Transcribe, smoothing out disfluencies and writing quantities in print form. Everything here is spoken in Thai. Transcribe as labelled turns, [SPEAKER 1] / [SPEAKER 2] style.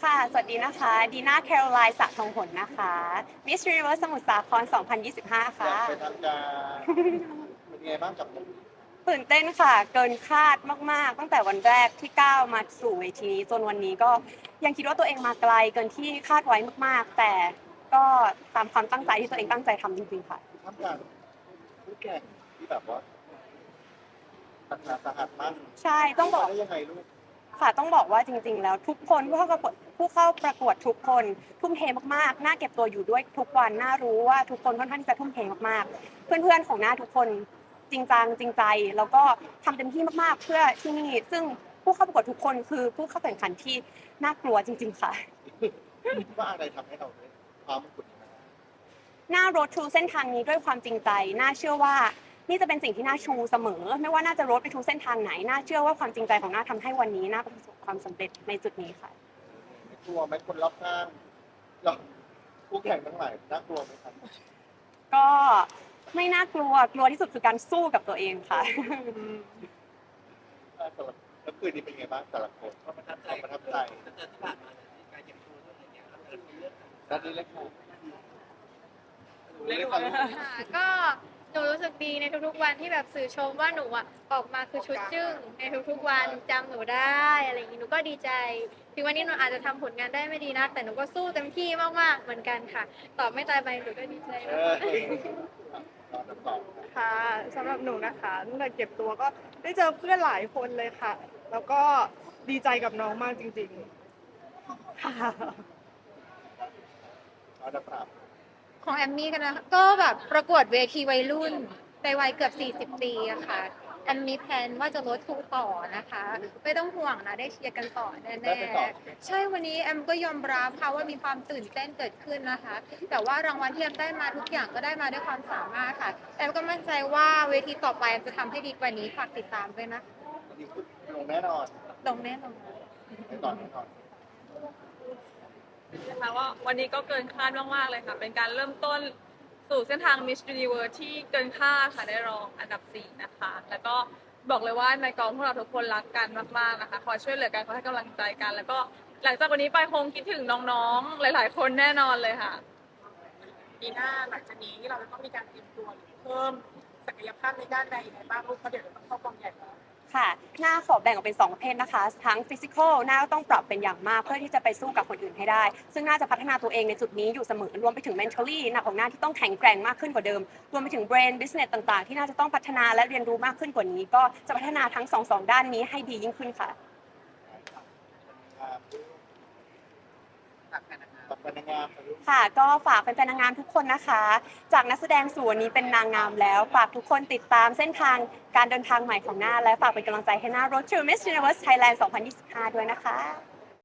[SPEAKER 1] ค่ะ สวัสดีนะคะ ดีน่าแคโรไลน์ศักดิ์ทองผลนะคะ Miss Universe สมุทรสาคร 2025
[SPEAKER 2] อ
[SPEAKER 1] ค่ะ
[SPEAKER 2] ยากไปทำการเป็นไงบ้างกับผม
[SPEAKER 1] ตื่นเต้นค่ะ เกินคาดมากๆ ตั้งแต่วันแรกที่ก้าวมาสู่เวทีนี้จนวันนี้ก็ยังคิดว่าตัวเองมาไกลเกินที่คาดไว้มากๆ แต่ก็ตามความตั้งใจที่ตัวเองตั้งใจทำจริงๆค่ะ
[SPEAKER 2] ทำการผู้แข่งที่แบบว่าหนักหนาสาหัสมาก
[SPEAKER 1] ใช่ต้องบอก
[SPEAKER 2] ได้ยังไงลูก
[SPEAKER 1] ค่ะต้องบอกว่าจริงๆแล้วทุกคนผู้เข้าประกวดทุกคนทุ่มเทมากๆน่าเก็บตัวอยู่ด้วยทุกวันน่ารู้ว่าทุกคนค่อนข้างที่จะทุ่มเทมากๆเพื่อนๆของหน้าทุกคนจริงจังจริงใจแล้วก็ทำเต็มที่มากๆเพื่อที่นี่ซึ่งผู้เข้าประกวดทุกคนคือผู้เข้าแข่งขันที่น่ากลัวจริงๆค่ะ
[SPEAKER 2] ว่าอะไรทำให้เราได้ความมงกุฎนี้มา
[SPEAKER 1] หน้า road to เส้นทางนี้ด้วยความจริงใจน่าเชื่อว่านี่จะเป็นสิ่งที่น่าชูเสมอไม่ว่าน่าจะ road ไปทุกเส้นทางไหนน่าเชื่อว่าความจริงใจของน่าทำให้วันนี้น่าประสบความสำเร็จในจุดนี้ค่ะ
[SPEAKER 2] ไม่กลัวไหมคนรอบข้างเราผู้แข่งทั้งหลายน่ากลัวไหมครับ
[SPEAKER 1] ก็ไม่น่ากลัวกลัวที่สุดคือการสู้กับตัวเองค่ะ
[SPEAKER 2] สำหรับแล้วคืนนี้เป็นไงบ้างแต่ละคนความประทับใจ
[SPEAKER 3] ตั้งแต่ที่ผ่านมาเนี่ยมีการเก็บตัวด้วยอะไรเงี้ยครับแต่ละคนเลือก
[SPEAKER 2] ด้านนี้เล็กค่ะ
[SPEAKER 3] เล่น
[SPEAKER 4] ค่ะก็หนูรู้สึกดีในทุกๆวันที่แบบสื่อชมว่าหนูอ่ะออกมาคือชุดจึ้งในทุกๆวันจำหนูได้อะไรอย่างนี้หนูก็ดีใจถึงวันนี้หนูอาจจะทำผลงานได้ไม่ดีนักแต่หนูก็สู้เต็มที่มากๆเหมือนกันค่ะตอบไม่ตายไปหนูก็ดีใจ
[SPEAKER 2] เอ
[SPEAKER 4] มา
[SPEAKER 2] อก ตอนสอง
[SPEAKER 5] ค่ะสำหรับหนูนะคะตั้งแต่เก็บตัวก็ได้เจอเพื่อนหลายคนเลยค่ะ แล้วก็ดีใจกับน้องมากจริงๆค่ะ
[SPEAKER 2] เราจะปรับ
[SPEAKER 4] ของแอมมี่กันนะก็แบบประกวดเวทีวัยรุ่นในวัยเกือบ40 ปีอะค่ะแอมมีแผนว่าจะลดทุนต่อนะคะไม่ต้องห่วงนะได้เชียร์กันต่อแน่
[SPEAKER 2] ได้ไปต่อ
[SPEAKER 4] ๆใช่วันนี้แอมก็ยอมรับค่ะว่ามีความตื่นเต้นเกิดขึ้นนะคะ แต่ว่ารางวัลที่แอมได้มาทุกอย่างก็ได้มาด้วยความสามารถค่ะแอมก็มั่นใจว่าเวทีต่อไปแอมจะทำให้ดีกว่านี้ฝากติดตามด้วยนะ
[SPEAKER 2] ดีขึ้นลงแน่นอน
[SPEAKER 4] ลงแน่นอน
[SPEAKER 2] แน่นอนแน่นอน
[SPEAKER 6] นะคะว่าวันนี้ก็เกินคาดมากๆเลยค่ะ เป็นการเริ่มต้นสู่เส้นทาง Miss Universe ที่เกินคาดค่ะได้รองอันดับ 4 นะคะ แล้วก็บอกเลยว่าในกองพวกเราทุกคนรักกันมากๆนะคะคอยช่วยเหลือกันคอยให้กำลังใจกัน แล้วก็หลังจากวันนี้ไปคงคิดถึงน้องๆ หลายๆ คนแน่นอนเลยค่ะ
[SPEAKER 3] ปีหน้าหลังจากนี้เราจะต้องมีการเตรียมตัวหรือเพิ่มศักยภาพในด้านใดยังไงบ้างลูกเพราะเดี๋ยวเราต้องเข้ากองใหญ่แล้ว
[SPEAKER 1] ค่ะหน้าขอแบ่งออกเป็น2ประเภทนะคะทั้งฟิสิกอลหน้าก็ต้องปรับเป็นอย่างมากเพื่อที่จะไปสู้กับคนอื่นให้ได้ ซึ่งน่าจะพัฒนาตัวเองในจุดนี้อยู่เสมอรวมไปถึง mentally หน้าของหน้าที่ต้องแข็งแกร่งมากขึ้นกว่าเดิมรวมไปถึง brain business ต่างๆ ที่น่าจะต้องพัฒนาและเรียนรู้มากขึ้นกว่านี้ ก็จะพัฒนาทั้งสองด้านนี้ให้ดียิ่งขึ้นค่ะ
[SPEAKER 2] ตับเป็นนางงาม
[SPEAKER 1] ค่ะก็ฝากแฟนๆนางงามทุกคนนะคะ จากนักแสดงสู่วันนี้เป็นนางงามแล้ว ฝากทุกคนติดตามเส้นทางการเดินทางใหม่ของหน้าและฝากเป็นกำลังใจให้หน้า Road to Miss Universe Thailand 2025 ด้วยนะคะ